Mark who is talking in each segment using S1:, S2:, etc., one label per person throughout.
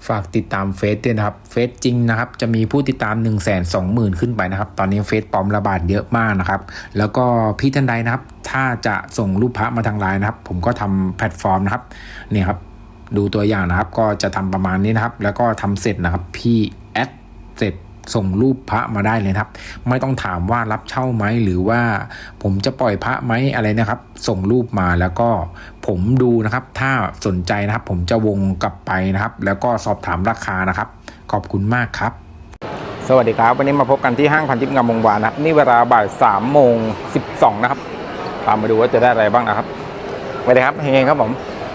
S1: ฝากติดตามเฟซด้วยนะครับเฟซจริงนะครับจะมีผู้ติดตาม 120,000 ขึ้นไปนะครับตอนนี้เฟซปลอมระบาดเยอะมากนะครับแล้วก็พี่ท่านใดนะครับถ้าจะส่งรูปพระมาทางไลน์นะครับผมก็ทำแพลตฟอร์มนะครับเนี่ยครับดูตัวอย่างนะครับก็จะทำประมาณนี้นะครับแล้วก็ทำเสร็จนะครับพี่แอดเสร็จส่งรูปพระมาได้เลยครับไม่ต้องถามว่ารับเช่าไหมหรือว่าผมจะปล่อยพระไหมอะไรนะครับส่งรูปมาแล้วก็ผมดูนะครับถ้าสนใจนะครับผมจะวงกลับไปนะครับแล้วก็สอบถามราคานะครับขอบคุณมากครับสวัสดีครับวันนี้มาพบกันที่ห้างพันทิพย์งามวงวานนะครับนี่เวลาบ่าย3:12นะครับตามมาดูว่าจะได้อะไรบ้างนะครับสวัสดีครับเฮงๆครับผม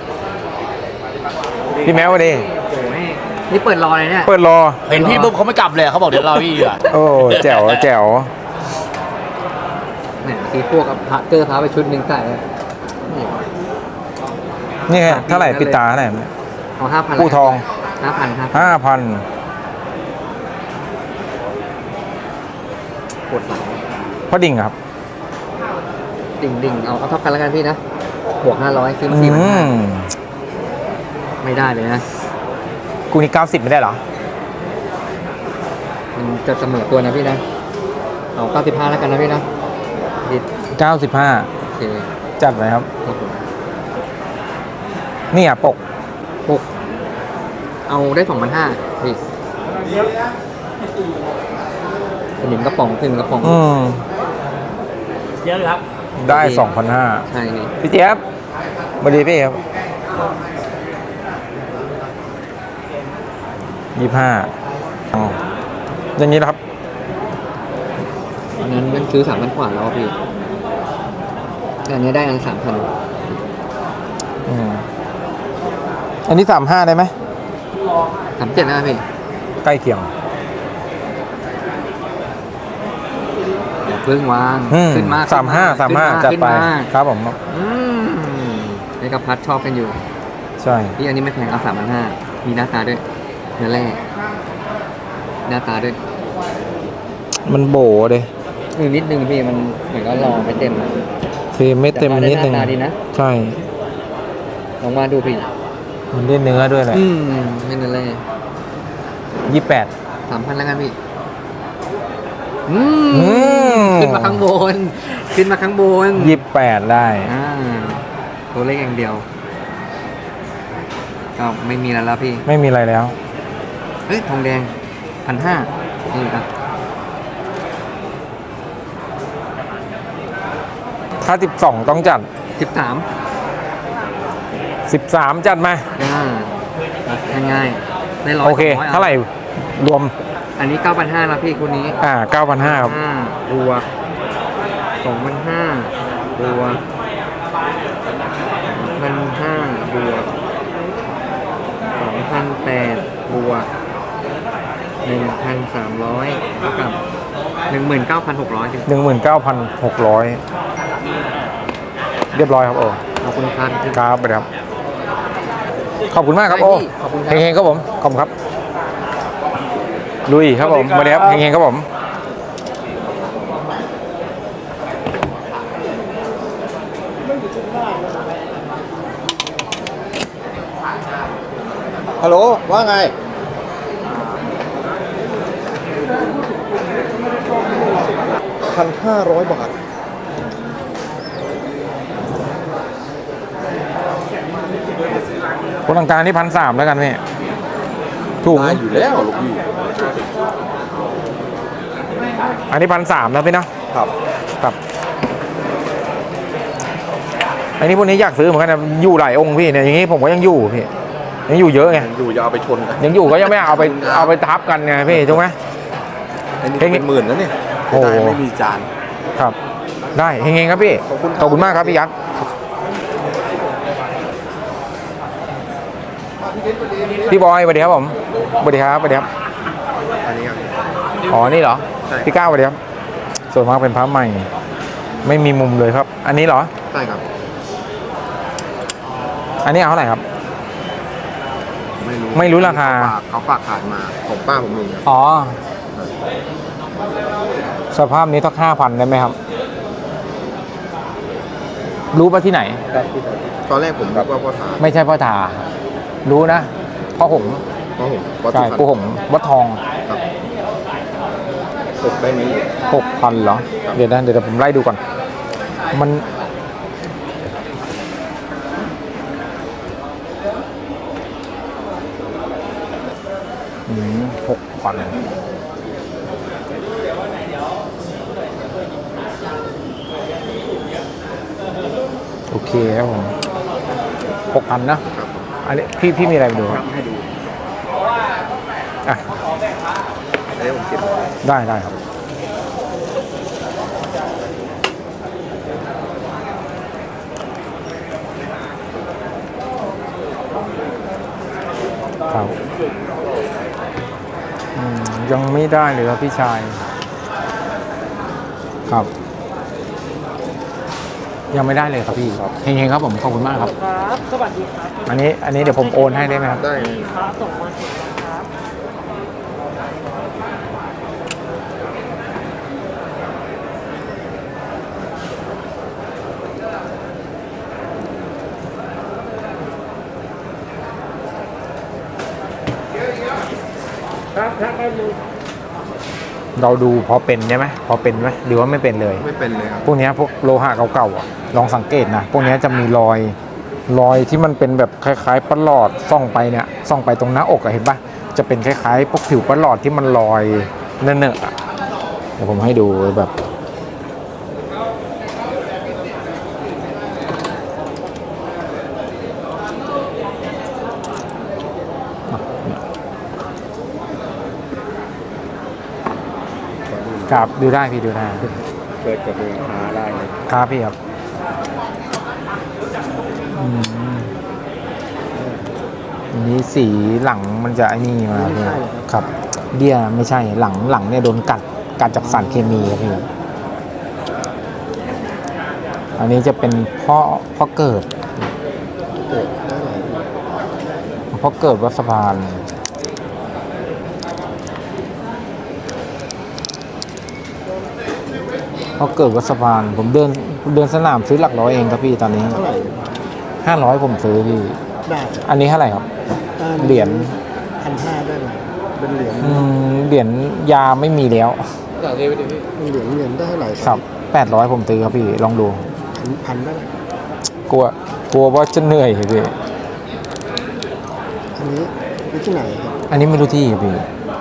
S1: พี่แมวสวัสดี
S2: นี่เปิดรอเลยเนี่ย
S1: เปิดรอ
S3: เห็นพี่ปุ๊บเขาไม่กลับเลยเขาบอกเดี๋ยวรอพี่อ่ะ
S1: โอ้แจ๋วแจ๋ว
S2: เนี่ยตีพวกกับพระเกอร์พาไปชุดหนึ่งใส่
S1: นี่เท่าไหร่ปิดตาเท่าไหร่
S2: เอา5,000
S1: ผู้ทอง
S2: 5,000ครับ
S1: 5,000
S2: ปวดหลัง
S1: พอดิ่งครับ
S2: ดิ่งเอาเท่ากันแล้วกันพี่นะบวก500ซื้อมา4,500ไม่ได้เลยนะ
S1: กูนี่90ไม่ได้เหรอ
S2: มันจะเสมอตัวนะพี่นะเอา95แล้วกันนะพี่นะ
S1: 95
S2: โอเค
S1: จัดเลยครับนี่อ่ะปก
S2: เอาได้ 2,500พี่สนิมกระป๋องขึ้นกระป๋อง
S3: เยอะครับ
S1: ได้ 2,500
S2: ใช่
S1: พี่เจี๊ยบสวัสดีพี่ครับ25อย่างนี้นะครับ
S2: อันนั้นมันซื้อ3,000 กว่าแล้วพี่แต่อันนี้ได้อัน 3,000
S1: อันนี้35ได้ไหม
S2: 37นะพี่
S1: ใกล้เคียง
S2: อย่าเพิ่งวางขึ้นมา
S1: 35จัดไปครับผม
S2: ในกระพัดชอบกันอยู่
S1: ใช่
S2: พี่อันนี้ไม่แพงเอา3,500มีหน้าตาด้วยเนื้อแร่หน้าตาด้วย
S1: มันโบเลย
S2: นิดนึงพี่มันเหมือนก็รอไม่เต็ม
S1: คือไม่เต็มนิดนึง
S2: ดีนะ
S1: ใช่
S2: ลองมาดูพี่
S1: มันได้เนื้อด้วยแหละ
S2: ไม่เนื้อแร่
S1: 28
S2: 3,000แล้วกันพี่ขึ้นมาข้างบน
S1: 28ได้
S2: ตัวเลขอย่างเดียวก็ไม่มีแล้วพี่
S1: ไม่มีอะไรแล้ว
S2: เฮ้ยทองแดง 1,500นี่ครับ
S1: ถ้า12ต้องจัด13จัดมา
S2: ง่ายๆได้100
S1: โอเคเท่าไหร่รวม
S2: อันนี้ 9,500แล้วพี่คนนี้
S1: 9,500ครับ
S2: บวก 2,500บวก 1,500บวก 2,800บวก 1,300เท่ากับ 19,600
S1: เรียบร้อยครับ
S2: ขอบคุณครับ
S1: ครับไปครับขอบคุณมากครับเฮงๆครับผมขอบคุณครับลุยครับผมมาเดี๋ยวเฮงๆครับผม
S3: ฮัลโหลว่าไง1,500 บาท
S1: คนต่างการนี่1,300แล้วกันพี่ถูก
S3: อยู่แล้วลูกพี่
S1: อันนี้1,300แล้วพี่เนาะครับอันนี้พวกนี้อยากซื้อเหมือนกันนะอยู่หลายองค์พี่เนี่ยอย่างนี้ผมก็ยังอยู่พี่ยังอยู่เยอะไง
S3: อยู่จะเอาไปชนกัน
S1: ยังอยู่ก็ยังไม่เอาไปทับกันไงพี่ถูกไหม
S3: เป็นหมื่นแล้วเนี่ยโอ้ไม่มีจาน
S1: ครับได้เฮงๆครับพี่ขอบคุณมากครับพี่ยักษ์พี่บอยสวัสดีครับผมสวัสดีครับอันนี้ครับอ๋อนี่เหรอพี่ก้าวสวัสดีครับส่วนมากเป็นพระใหม่ไม่มีมุมเลยครับอันนี้เหรอ
S3: ใช่ครับ
S1: อันนี้เอาเท่าไหร่ครับไม่รู้ราคา
S3: เขาฝากขายมาของป้าผมเอง
S1: อ๋อสภาพนี้ต้อง5,000ได้ไหมครับรู้ป่ะที่ไหน
S3: ตอนแรกผมคิดว่าพ่อถา
S1: ไม่ใช่พ่อถารู้นะพ่อหง
S3: เพราะผมวัด
S1: ใช่
S3: สุพรรณ
S1: ปูหงวัดทอง
S3: ครับตกได้ไหม
S1: 6,000เหรอ เดี๋ยวผมไล่ดูก่อน มัน6,000โอเคครับผม6,000นะ อันนี้พี่มีอะไรมาดูครับ
S3: ให้ดู
S1: อ่ะ
S3: เดี๋ยวผมเก็บ
S1: ได้ครับ ครับยังไม่ได้เลยครับพี่ชาย ครับ ยังไม่ได้เลยครับพี่เฮงๆครับผมขอบคุณมากครับ
S4: ครับ สวัสดีครับ
S1: อันนี้เดี๋ยวผมโอนให้ได้ไหมครับ
S3: ได้
S4: ครับส่งมาถึงนะครับ ครับได้เลย
S1: เราดูพอเป็นใช่ไหมพอเป็นไหมหรือว่าไม่เป็นเลย
S3: ไม่เป็นเลยครับ
S1: พวกเนี้ยพวกโลหะเก่าๆอ่ะลองสังเกตนะพวกเนี้ยจะมีรอยที่มันเป็นแบบคล้ายๆประหลอดส่องไปเนี่ยส่องไปตรงหน้าอกอะเห็นปะจะเป็นคล้ายๆพวกผิวประหลอดที่มันลอยเนอะๆอะเดี๋ยวผมให้ดูแบบครับดูได้พี่ดูได้
S3: เกิดกับราคาได้เลย
S1: ครับพี่ครับอันนี้สีหลังมันจะไอ้นี่มาพี่ครับเบี้ยไม่ใช่หลังเนี่ยโดนกัดจากสารเคมีครับพี่อันนี้จะเป็นพ่อเกิด
S3: เกิดได้ไหน
S1: พ่อเกิดวัดสะพานพ่อเกิดวัดสะพานผมเดินสนามซื้อหลักร้อยเองครับพี่ตอนนี้
S3: เท่าไหร่
S1: 500ผมซื้อพี่
S3: ได้
S1: อันนี้เท่าไหร่ครับเหรียญ
S3: 1,500ได้ไหมเป็นเหรียญ
S1: เหรียญยาไม่มีแล้ว
S3: เหรียญได้เท่าไหร่
S1: ครับ800ผมซื้อครับพี่ลองดู
S3: พันได้ไหม
S1: กลัวว่าจะเหนื่อยพี่
S3: อันนี้ที่ไหนครับ
S1: อันนี้ไม่รู้ที่พี่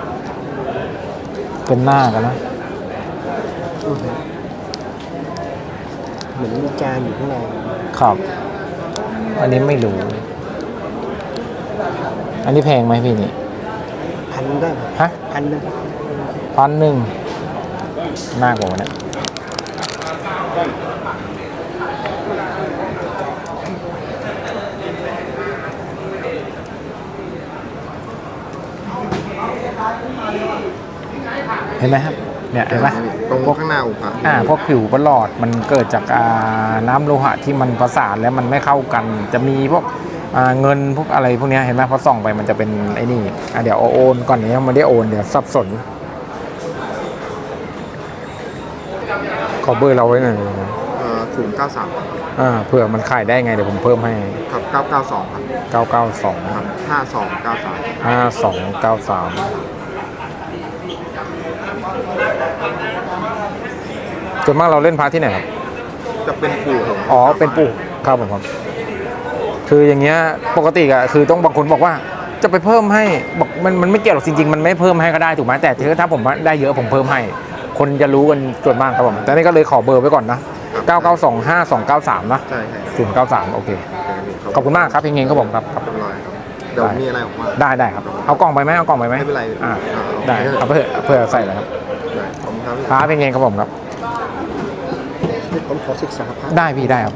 S1: เป็นหน้ากันนะ
S3: เหมือนมีจานอยู่ข้างใน
S1: ครับ อันนี้ไม่รู้ อันนี้แพงไหมพี่นี่
S3: พันได้ไหม
S1: ฮะ
S3: พันนึง
S1: 1,000น่ากว่าเนี่ยเห็นไหมครับเนี่ยเห็นไหม
S3: ตรงข้างหน้าองค์พระ
S1: พวกผิวประหลอดมันเกิดจากน้ำโลหะที่มันประสานแล้วมันไม่เข้ากัน จะมีพวกเงินพวกอะไรพวกเนี้ยเห็นไหมพอส่องไปมันจะเป็นไอ้นี่เดี๋ยวโอนก่อนนี้ยังไม่ได้โอนเดี๋ยวสับสนขอเบอร์เราไว้หน่อยนะ
S3: 093
S1: เผื่อมันขายได้ไงเดี๋ยวผมเพิ่มให้
S3: ครับ992ครับ
S1: 992
S3: ครับ5293
S1: 5293ส่วนมากเราเล่นพาร์ทที่ไหนครับ
S3: จะเป็นปู่ผม
S1: อ๋อ เป็นปู่ครับผมครับ คืออย่างเงี้ย ปกติอะคือต้องบางคนบอกว่า จะไปเพิ่มให้ บอกมันไม่เกี่ยวหรอกจริงๆ มันไม่เพิ่มให้ก็ได้ถูกไหมแต่ถ้าผมได้เยอะผมเพิ่มให้ คนจะรู้กันส่วนมากครับผม แต่นี่ก็เลยขอเบอร์ไว้ก่อนนะ 9925293 นะ
S3: ใช่ใช่
S1: 093 โอเค ขอบคุณมากครับเฮงๆครับผมครับ
S3: เรียบร้อยครับเดี๋ยวมีอะไรออกมา
S1: ได้ครับ เอากล่องไปไหมเอากล่องไปไหม
S3: ไม่เป็นไร
S1: ได้เอาเพื่อใส่เลยครับ
S3: ได้ขอบคุณครับ
S1: ครับเฮงๆครับผมครับ
S3: ผมขอศึกษาพระ
S1: ได้พี่ได้ครับ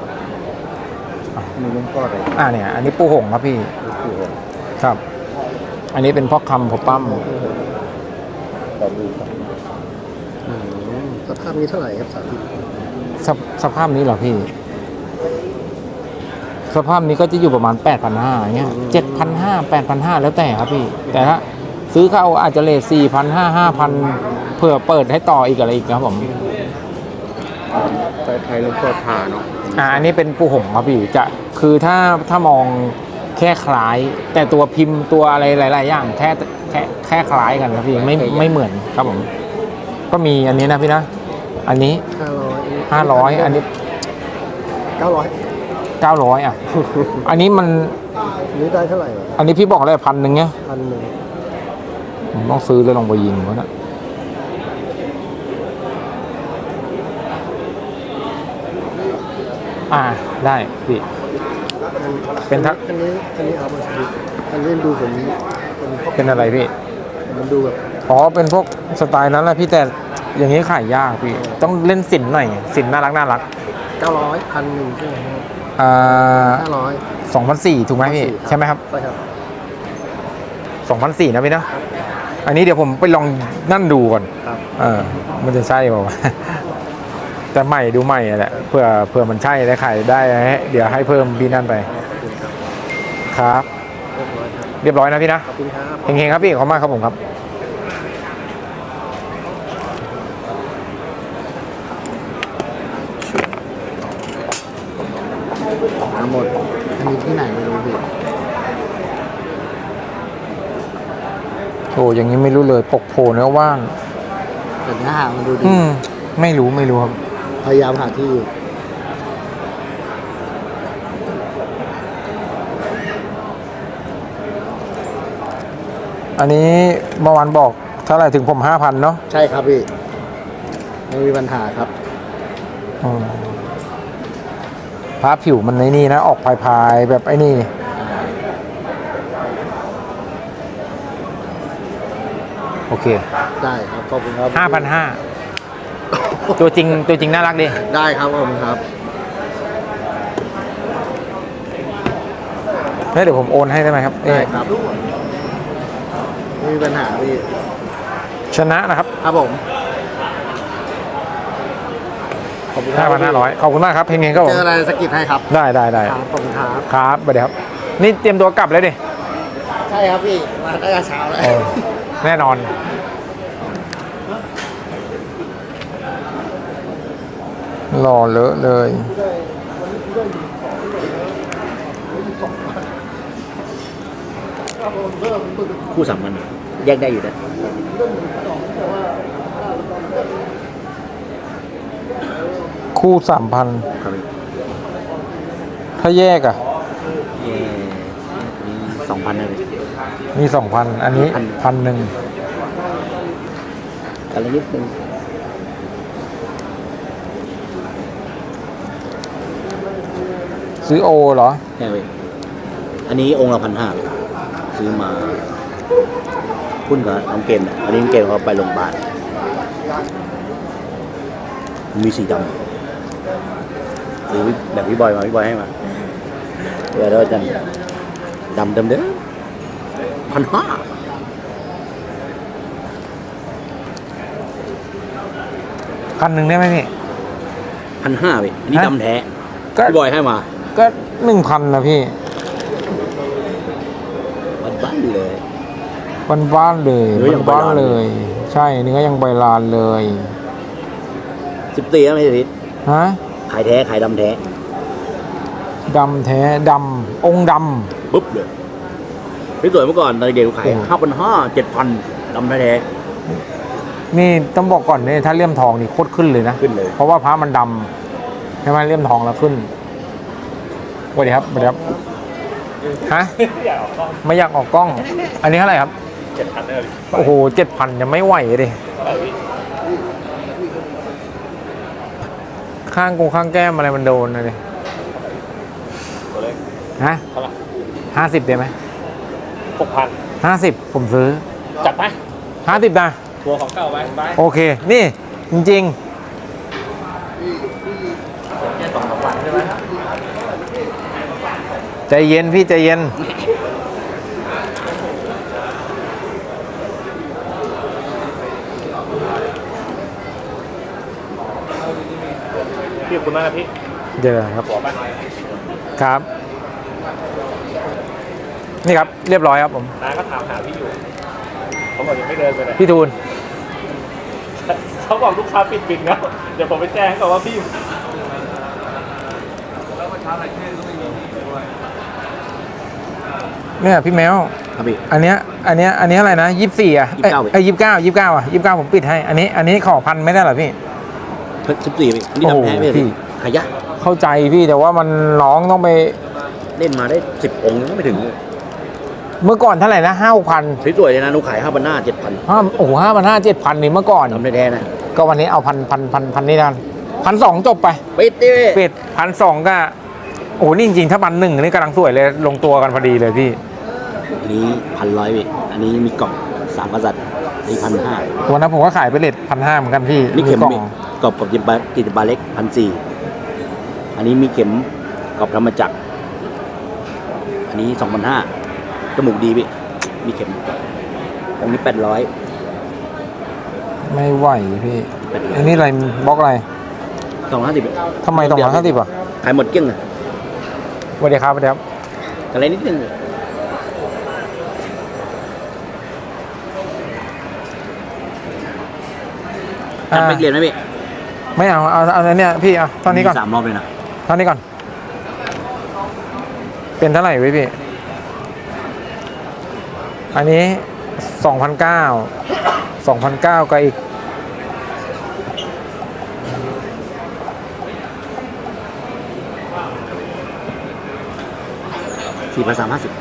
S3: มีหลวงพ่ออะไร
S1: เนี่ย อันนี้ปูหงครับพี่
S3: ปู่ผม
S1: ครับ อันนี้เป็นพ่อคำพ่อปั้ม
S3: ขอดูครับสภาพนี้เท่าไหร่ครับสาธิต
S1: สภาพนี้เหรอพี่ สภาพนี้ก็จะอยู่ประมาณ 8,500อย่างเงี้ย7,500 8,500แล้วแต่ครับพี่ แต่ถ้าซื้อเข้าอาจจะเลท4,500 5,000เผื่อเปิดให้ต่ออีกอะไรอีกครับผม
S3: ไทยหลวงพ่อทาเนาะ
S1: อันนี้เป็นปูหงครับพี่จะคือถ้ามองแค่คล้าย แต่ตัวพิมพ์ตัวอะไรหลาย ๆ อย่างแค่คล้ายกันครับพี่ไม่เหมือนครับผมก็มีอันนี้นะพี่นะอันนี้ 500อันนี้ 900อ่ะ อันนี้มัน
S3: นี่ได้เท่าไหร่
S1: อันนี้พี่บอกอะไร1,000เนี่ย
S3: 1,000
S1: ผมต้องซื้อแล้วลงไปยิงวะนะได้พี่เป็นทัก
S3: อันนี้เอามาสิอันนี้ดูผม
S1: เป็นอะไรพี่
S3: มันดูแบบ
S1: อ๋อเป็นพวกสไตล์นั้นแหละพี่แต่อย่างนี้ขายยากพี่ต้องเล่นสินหน่อยสินน่ารัก
S3: 900 1,000ใช่ไหม500
S1: 2,400ถูกไหมพี่ใช่ไหมครับ
S3: ใช่ครับ
S1: 2,400นะพี่นะอันนี้เดี๋ยวผมไปลองนั่นดูก่อน
S3: ครับ
S1: มันจะใช่เปล่าวะ แต่ใหม่ดูใหม่แหละเผื่อมันใช่ได้ขายได้เดี๋ยวให้เพิ่มพี่นั่นไปครับ เรียบร้อยนะพี่นะ
S3: ขอบคุณครับ
S1: เฮงๆครับพี่ขอบคุณมากครับผมครับ
S3: หมดมีที่ไหนไม่รู้ดิ
S1: โอ้อย่างนี้ไม่รู้เลยปกโผล่เนื้อว่าง
S3: แต่เนื้อหามันดูดี
S1: ไม่รู้ครับ
S3: พยายามหาที่อยู่
S1: อันนี้เมื่อวานบอกเท่าไหร่ถึงผม 5,000เนาะ
S3: ใช่ครับพี่ไม่มีปัญหาครับ
S1: พระผิวมันในนี่นะออกพายๆแบบไอ้นี่โอเค
S3: ได้ครับขอบคุณครับ
S1: 5,500ตัวจริงน่ารักดิ
S3: ได้ครับผมครับ
S1: เดี๋ยวผมโอนให้ได้ไหมครับ
S3: ได้ครับไม่มีปัญหาพี่
S1: ชนะนะครับ
S3: ครับผมขอบคุณครับ
S1: 5,500ขอบคุณมากครับเฮงๆครับผ
S3: เจ
S1: ม
S3: ออะไรสะกิดให้ครับ
S1: ได้
S3: ครับขอบคุณครับ
S1: ครับสวัสดีครับนี่เตรียมตัวกลับเลยดิ
S3: ใช่ครับพี่มาตั้งแต่เช้าแล้ว
S1: แน่นอนหล่อเลอะเลย
S2: คู่สามมันแยกได้อยู่นะ
S1: คู่ 3,000
S2: ครับ
S1: ถ้าแยกอ่ะ
S2: มี2,000เลย
S1: มี 2,000 อันนี้ 1,000
S2: อะไรนิดนึง
S1: ซื้อโอเหรอ
S2: ใช่ไหมอันนี้องค์ละ1,500เลยซื้อมาพุ่นกับน้องเกมเนี่ยอันนี้น้องเกมเขาไปโรงพยาบาลมีสีดำหรือแบบพี่บอยให้มาเดี๋ยวเราจะดำเดิม1,500
S1: 1,000ได้ไหมพี่
S2: 1,500พี่อันนี้
S1: ฮะ
S2: ดำแท้
S1: ก็
S2: พี่บอยให้มา
S1: ก็ 1,000นะพี่
S2: บ้านๆเลย
S1: บ้านๆเลย
S2: เนื้อยังใบ
S1: บ้าน
S2: ลาน
S1: ๆเลย ใช่เนื้อยังใบลานเลย
S2: 14แล้วไม่ใช่ทิศ
S1: ฮะ
S2: ขายแท้ขายดำแท้
S1: ดำแท้ดำองค์ด
S2: ปุ๊บเลยพี่สวยเมื่อก่อนตอนเด็กๆขาย
S1: โอ้โห
S2: 5,500 7,000ดำแท้
S1: ำนี่ต้องบอกก่อนเนี่ยถ้าเลี่ยมทองนี่โคตรขึ้นเลยนะ
S2: ขึ้นเลย
S1: เพราะว่าพระมันดำใช่ไหมเลี่ยมทองแล้วขึ้นสวัสดีครับสวัสดีครับฮะไม่อยากออกกล้อง อันนี้เท่าไหร่ครับ
S2: 7,000เลย
S1: โอ้โห7,000ยังไม่ไหวเลยข้างแก้มอะไรมันโดนนะดิฮะ50ได้ไหม
S4: 6,000
S1: 50ผมซื้อ
S4: จัดไป
S1: 50นะ
S4: ตัวของเก่าไป
S1: โอเค นี่จริง
S4: แค่2-3 วันใช่ไหม
S1: ๆ ใจเย็นพี่ใจเย็น
S4: พี่ขอบคุณมากครับพี่
S1: เดี๋ยวครับ
S4: หัวไป
S1: ครับ นี่ครับเรียบร้อยครับผม
S4: น้าก็ถามหาพี่อยู่เขาบอกยังไม่เดินไปไหน
S1: พี่ทูล
S4: เขาบอกลูกค้าปิดบินแล้วเดี๋ยวผมไปแจ้งก่อนว่าพี่
S1: เนี่ยพี่แมว
S2: ครับพี่
S1: อันเนี้ยอะไรนะ24อ่ะ
S2: 29
S1: เอ้ย29อ่ะ29ผมปิดให้ อันนี้ขอพันไม่ได้เหรอพี่
S2: 14พี่นี่ดำแท้
S1: โอ้โหพี่
S2: พี่หายะ
S1: เข้าใจพี่แต่ว่ามันน้องต้องไป
S2: เล่นมาได้10 องค์ยังไม่ถึงเลย
S1: เมื่อก่อนเท่าไหร่นะ5,000
S2: สวยๆเลยนะนุขาย5,000 หน้า 7,000
S1: โอ้โห5,500 7,000นี่เมื่อก่อน
S2: ดำแท้ๆนะ
S1: ก็วันนี้เอาพันนี่กัน1,200จบไป
S2: ปิดดิ
S1: ปิด1,200ก็โอ้โหนี่จริงๆถ้า1,100นี่กำลังสวยเลยลงตัวกันพอดีเลยพี่
S2: อันนี้1,100พี่อันนี้มีกล่อง3 กษัตริย์นี่1,500
S1: วันนั้นผมก็ขายไปเลท1,500เหมือนกันพี่
S2: นี่เข็ม
S1: กล่อง
S2: พี่กรอบกิจบาเล็ก1,400อันนี้มีเข็มกรอบธรรมจักรอันนี้2,500จมูกดีพี่มีเข็มตรงนี้800
S1: ไม่ไหวพี่
S2: 800
S1: อันนี้อะไรบล็อกอะไร
S2: 250
S1: ทำไม250อ่ะ
S2: ขายหมดเกลี้ยงเลย
S1: สวัสดีครับสวัสดีครับ
S2: อะไรนิดนึง
S1: อ่า
S2: ไม่เรียนไหมพี่
S1: ไม่เอาอันเนี้ยพี่เอาตอนนี้ก่อน
S2: มี3 รอบเลยนะ
S1: ตอนนี้ก่อน เป็นเท่าไหร่เว้ยพี่ อันนี้2,900กับอีก
S2: 4,350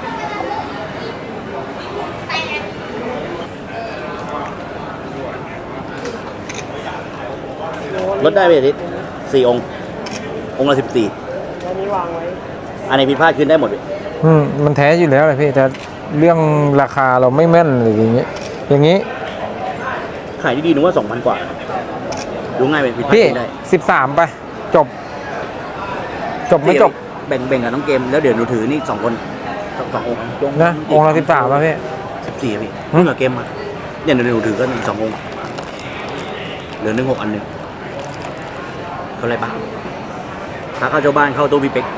S2: ลดได้ไหมอาทิตย์4 องค์ องค์ละ14
S4: อันนี้วางไว้
S2: อันไหนผิดพลาดขึ้นได้หมดพี่
S1: มันแท้อยู่แล้วเลยพี่แต่เรื่องราคาเราไม่แม่นหรืออย่างนี้
S2: ขายดีๆหนูว่า 2,000 กว่า ดูง่ายไปผิดพลาด
S1: พี่
S2: ขึ้นได้
S1: 13ไปจบไม่จบ
S2: แบ่งกับน้องเกมแล้วเดี๋ยวหนูถือนี่2 คนสององค์
S1: นะองค์ละ13ป่ะพี่
S2: 14พี่เพิ่งกับเกมมาเนี่ยเดี๋ยวหนูถือก็2 องค์เหลือ16 อันหนึ่งเขาอะไรปะถ้าเข้าเจ้าบ้านเข้าตู้พี่เป๊ก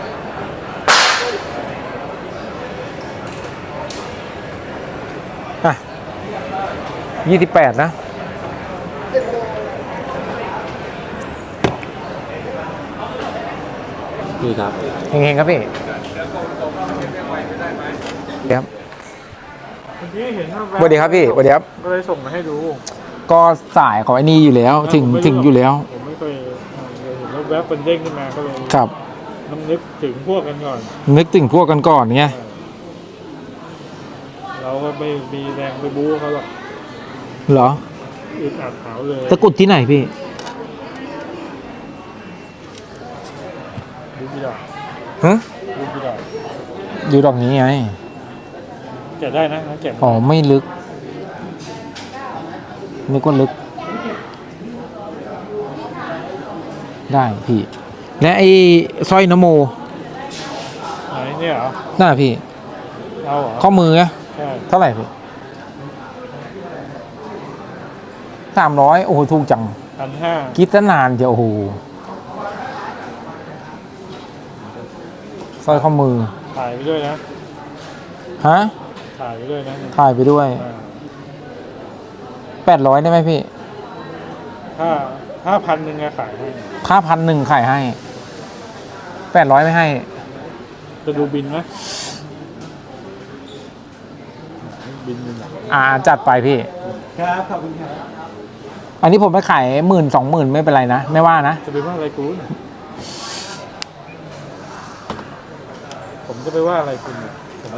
S1: อ่ะ28นะ
S2: นี่ครับ
S1: เฮงๆครับพี่ครับ
S4: พี่เห็นว่า
S1: สวัสดีครับพี่สวัสดีครับ
S4: ก็เลยส่งมาให้ดู
S1: ก็สายของไอ้นี่อยู่แล้วถึงอยู่แล้ว
S4: ผมไม่เคยเห็นแล้วแวบเป็นเด้งขึ้นมาก็เลย
S1: ครับ
S4: น้ำนึกถึงพวกกันก่อน
S1: นึกถึงพวกกันก่อนไง
S4: เราก็ไม่มีแรงไปบู๊เขาหรอก
S1: เหรอ
S4: อึดอัดหาวเลย
S1: ตะกรุดที่ไหนพี่
S4: บู๊กี่ดอก
S1: ฮะ
S4: บู๊กี่ดอก
S1: อยู่ดอกนี้ไง
S4: แกะได้นะแกะ
S1: อ๋อไม่ลึกนึกว่าลึก ได้พี่ และไอ้สร้อยนโม
S4: ไหนเนี่ยเหรอ
S1: น่าพี่
S4: เอาเหรอ
S1: ข้อมืออะ
S4: ใช่
S1: เท่าไหร่พี่300โอ้โหถูกจัง
S4: 1,500
S1: คิดซะนานเดียวโอ้โหสร้อยข้อมือ
S4: ถ่ายไปด้วยนะ
S1: ฮะ
S4: ถ่ายไปด้วยนะ
S1: ถ่ายไปด้วย 800ได้ไหมพี่
S4: ถ้า1,000อะขายให้
S1: ค่า1,000ขายให้800ไม่ให้
S4: จะดูบินไหมบินอยู่ไหน
S1: จัดไปพี่
S4: ครับขอบคุณครับ
S1: อันนี้ผมไปขาย10,000-20,000ไม่เป็นไรนะ ไม่ว่านะ
S4: จะไปว่าอะไรคุณผมจะไปว่าอะไรคุณเนี่ยผม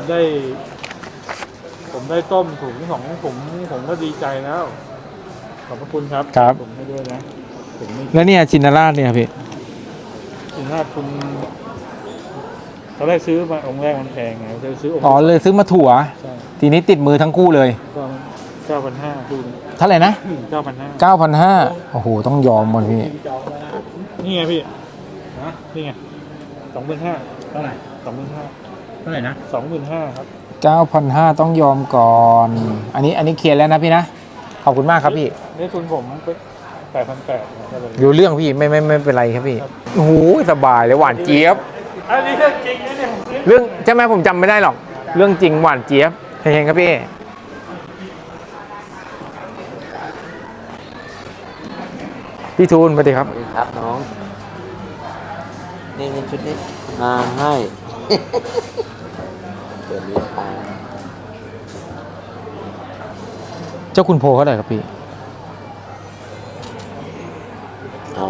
S4: ได้ต้มถุง2 ถุงผมก็ดีใจแล้ว ขอบพระคุณครับ
S1: ครับ
S4: ผมให้ด้วยนะผมไม่
S1: แล้วเนี่ยชินราชเนี่ยพี่
S4: ถึงถ้าคุณตอนแรกซื้อมาองค์แรกมันแพงไงจะซื้อองค์
S1: อ๋อเลยซื้อมาถั่ว
S4: ใช่
S1: ทีนี้ติดมือทั้งคู่เลย
S4: ก็9,500ดูนะ
S1: เท่าไหร่นะ
S4: 9,500
S1: 9,500โอ้โหต้องยอมหมดพี่
S4: นี่ไงพี่นี่ไง25,000เท่าไหร่25,000
S2: เท่าไหร่นะ
S4: 25,000ครับ
S1: 9,500ต้องยอมก่อน อันนี้เคลียร์แล้วนะพี่นะ ขอบคุณมากครับพี่
S4: นี่ทุนผมไป8,800ก็เลย
S1: รู้เรื่องพี่ไม่เป็นไรครับพี่ โอ้โหสบายเลยหวานเจี๊ยบ
S4: อันนี้เรื่องจริงนะเนี่ยผมซื้อ
S1: เรื่องใช่ไหมผมจำไม่ได้หรอก เรื่องจริงหวานเจี๊ยบเฮงๆครับพี่ พี่ทูลสวัสดีครับ
S2: สวัสดีครับน้องนี่ชุดนี้ให้ตัวนี้
S1: เจ้าคุณโพเท่าไหร่ครับพี่
S2: เอา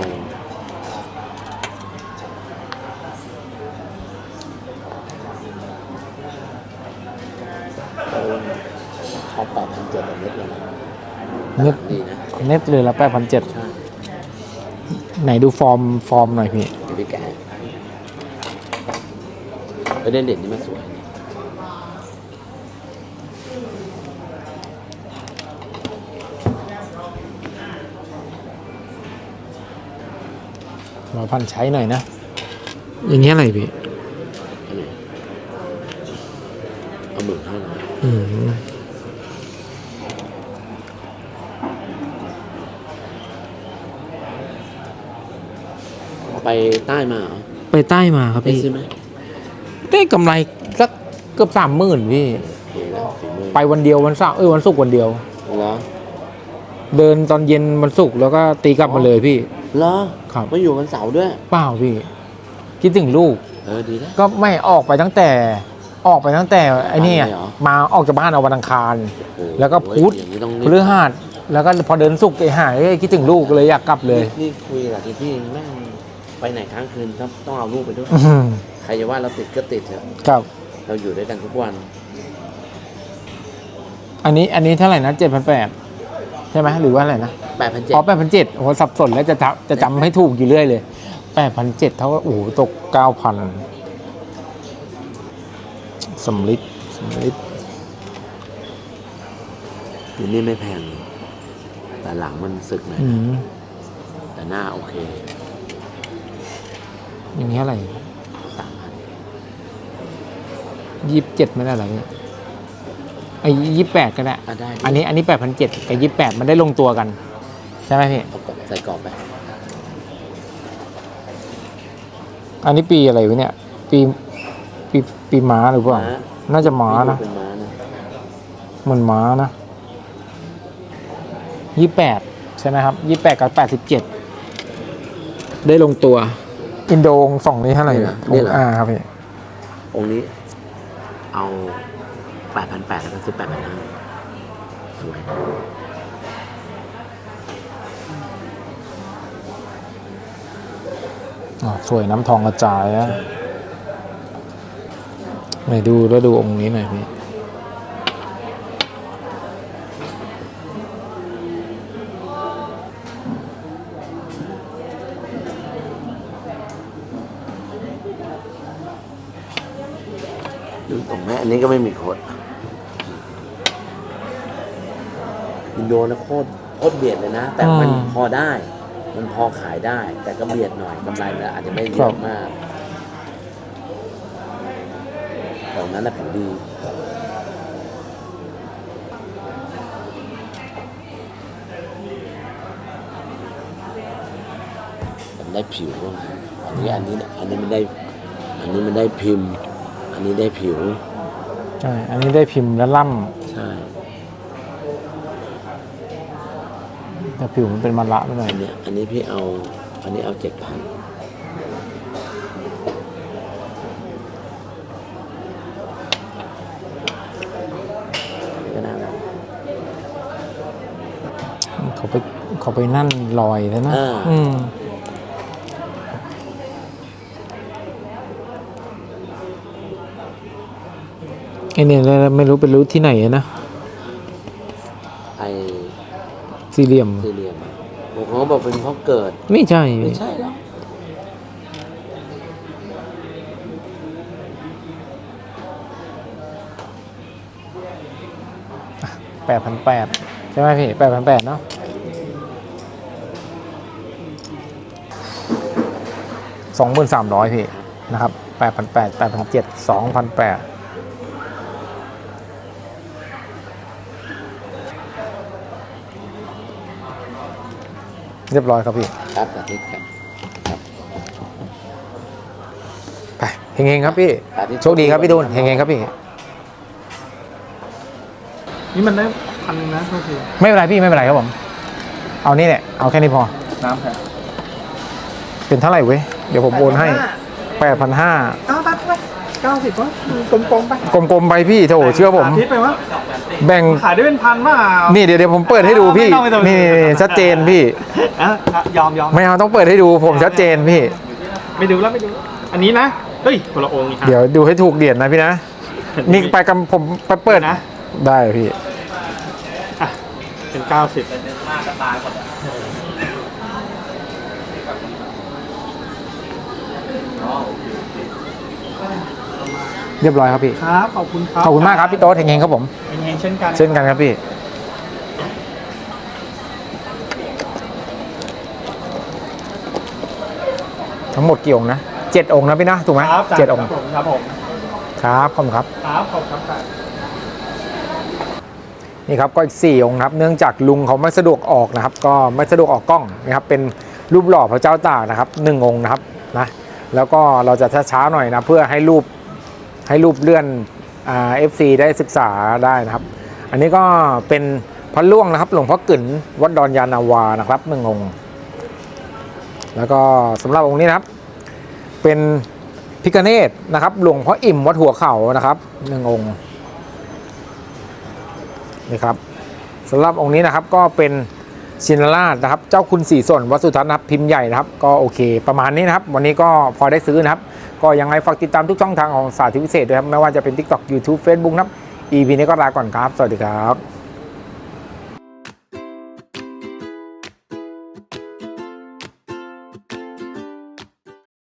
S2: เขา8,700เม็ดเลยนะ
S1: เน็ต
S2: ดีนะ
S1: เน็ตเลยละ8,700
S2: ใช่
S1: ไหนดูฟอร์มหน่อยพี่
S2: เดี๋ยวพี่แกะเด่นนี่มันสวย
S1: มาพันใช้หน่อยนะ อย่างเงี้ยอะไรพี่
S2: อันไหนเอา15,000
S1: อืม
S2: ไปใต้มาเหรอ
S1: ไปใต้มาครับ
S2: ได้
S1: พี่
S2: ซื้อไหม
S1: ได้กำไรสักเกือบ30,000พี่
S2: โอเคแล้วฝีมือ
S1: ไปวันเดียววันเสาร์วันศุกร์วันเดียว
S2: เหรอ
S1: เดินตอนเย็นวันศุกร์แล้วก็ตีกลับมาเลยพี่
S2: เหรอ
S1: ครับ
S2: มาอยู่วันเสาร์ด้วย
S1: เปล่าพี่ คิดถึงลูก
S2: ดีแล้ว
S1: ก็ไม่ออกไปตั้งแต่ไอ้นี่อะ
S2: ไปเลยเหรอ
S1: มาออกจากบ้านเอาวันอังคาร
S2: โอ้โห
S1: แล้วก็พุธ
S2: อย่างนี้ต้อง
S1: พฤหัสแล้วก็พอเดินศุกร์ไอ้หายคิดถึงลูกเลยอยากกลับเลย
S2: นี่คุยกับที่แม่งไปไหนค้างคืนต้องเอาลูกไปด้วย
S1: อื้อหือ
S2: ใครจะว่าเราติดก็ติดเถอะ
S1: ครับ
S2: เราอยู่ด้วยกันทุกวัน
S1: อันนี้เท่าไหร่นะ7,800ใช่ไหมหรือว่าอะไรนะ
S2: 8,700
S1: อ๋อ8,700โอ้โหสับสนแล้วจะจำให้ถูกอยู่เรื่อยเลย8,700เท่ากับโอ้โหตก 9,000สำลิด
S2: อยู่นี่ไม่แพง แต่หลังมันสึกหน่อย
S1: อืม
S2: แต่หน้าโอเค
S1: อย่างนี้อะไร
S2: 3,000
S1: 27ไม่ได้เหรอพี่ไอ้28ก็ได้
S2: ได้
S1: อันนี้8,700กับ28มันได้ลงตัวกัน ใช่ไหมพี่
S2: เอากรอบใส่กรอบไป
S1: อันนี้ปีอะไรวะเนี่ย ปีม้าหรือเปล่า น่าจะม้านะ
S2: เป็นม้านะ
S1: เหมือนม้านะ28ใช่ไหมครับ28กับ87ได้ลงตัว อินโดองสองนี้เท่าไหร่
S2: นี่เหรอ
S1: ครับพี่
S2: องค์นี้ เอา 8,800แล้วก็ซื้อ 8,500 สวย
S1: สวยน้ำทองกระจายอะไหนดูแล้วดูองค์นี้หน่อยพี่
S2: ดูตรงแม่อันนี้ก็ไม่มีโค้ดอินโดนะโคตรเบียดเลยนะ แต่มันพอได้ มันพอขายได้ แต่ก็เบียดหน่อยกำไรมันอาจจะไม่เยอะมากตรงนั้นน่ะแผ่นดีมันได้ผิวอันนี้มันได้พิมพ์ อันนี้ได้ผิว
S1: ใช่ อันนี้ได้พิมพ์และล่
S2: ใช่
S1: ำแต่ผิวมันเป็นมะระไปหน่อย
S2: อันนี้พี่เอา อันนี้เอา 7,000ก็น่ารัก
S1: เขาไปนั่นลอยแล้วนะ
S2: อืม
S1: ไอเนี่ยไม่รู้เป็นรู้ที่ไหนนะ
S2: ไอ
S1: สี่เหลี่ยม
S2: สี่เหลี่ยมอะผมเขาบอกเป็นเพราะเกิด
S1: ไม่ใช่
S2: ไม่ใช่หรอก
S1: 8,800ใช่ไหมพี่8,800เนาะ2,300พี่นะครับ8,800 8,700 2,800เรียบร้อยครับพี่
S2: ครับสาธิตครับ
S1: ไปเฮงๆครับพี่
S2: สาธิต
S1: โชคดีครับพี่ดูนเฮงๆครับพี่
S4: นี่มันได้1,000นะโทษที
S1: ไม่เป็นไรพี่ไม่เป็นไรครับผม เอานี่แหละเอาแค่นี้พอ
S4: น้ำแข็ง
S1: เป็นเท่าไหร่เว้ยเดี๋ยวผมโอนให้8,500
S4: เอาตัดไป 90ก็กลมๆไป
S1: กลมๆไปพี่โถเชื่อผม
S4: สาธิตไปวะ
S1: แบ่ง
S4: ขายได้เป็นพันมาก
S1: นี่เดี๋ยวผมเปิดให้ดูพี่
S4: ไม่ต้อง
S1: นี่ชัดเจนพี่
S4: ยอม
S1: ไม่เอาต้องเปิดให้ดูผมชัดเจนพี่
S4: ไม่ดูแล้วไม่ดู อันนี้นะเฮ้ยคนละองค์นี่ครับ
S1: เดี๋ยวดูให้ถูกเหรียญนะพี่นะนี่ไปกับผมไปเปิด
S4: นะ
S1: ได้พี่
S4: อ่ะเป็น 90
S1: เรียบร้อยครับพี่
S4: ครับขอบคุณครับ
S1: ขอบคุณมากครับพี่โต๊ดเฮงๆครับผม
S4: เฮงๆเช่นกัน
S1: เช่นกันครับพี่ทั้งหมดกี่องค์นะ7 องค์นะพี่นะถูกไหม
S4: ครับ
S1: 7 องค์
S4: ครับผม
S1: ครับขอบคุณครับ
S4: ครับขอบคุณครับ
S1: นี่ครับก็อีก4 องค์นะครับเนื่องจากลุงเขาไม่สะดวกออกนะครับ ก็ไม่สะดวกออกกล้องนะครับเป็นรูปหล่อพระเจ้าตากนะครับ1 องค์นะครับนะแล้วก็เราจะช้าๆหน่อยนะเพื่อให้รูปเลื่อนFC ได้ศึกษาได้นะครับ อันนี้ก็เป็นพระล่วงนะครับหลวงพ่อกึ๋นวัดดอนยานาวานะครับ1 องค์แล้วก็สำหรับองค์นี้นะครับเป็นพิฆเนศนะครับหลวงพ่ออิ่มวัดหัวเข่านะครับ1 องค์นี่ครับสำหรับองค์นี้นะครับก็เป็นชินราชนะครับเจ้าคุณศรีสนวัดสุทัศน์นะครับพิมพ์ใหญ่นะครับก็โอเคประมาณนี้นะครับวันนี้ก็พอได้ซื้อนะครับก็ยังไงฝากติดตามทุกช่องทางของสาธิตพิเศษด้วยครับไม่ว่าจะเป็น TikTok YouTube Facebook นะครับ EP นี้ก็ลาก่อนครับสวัสดีครับ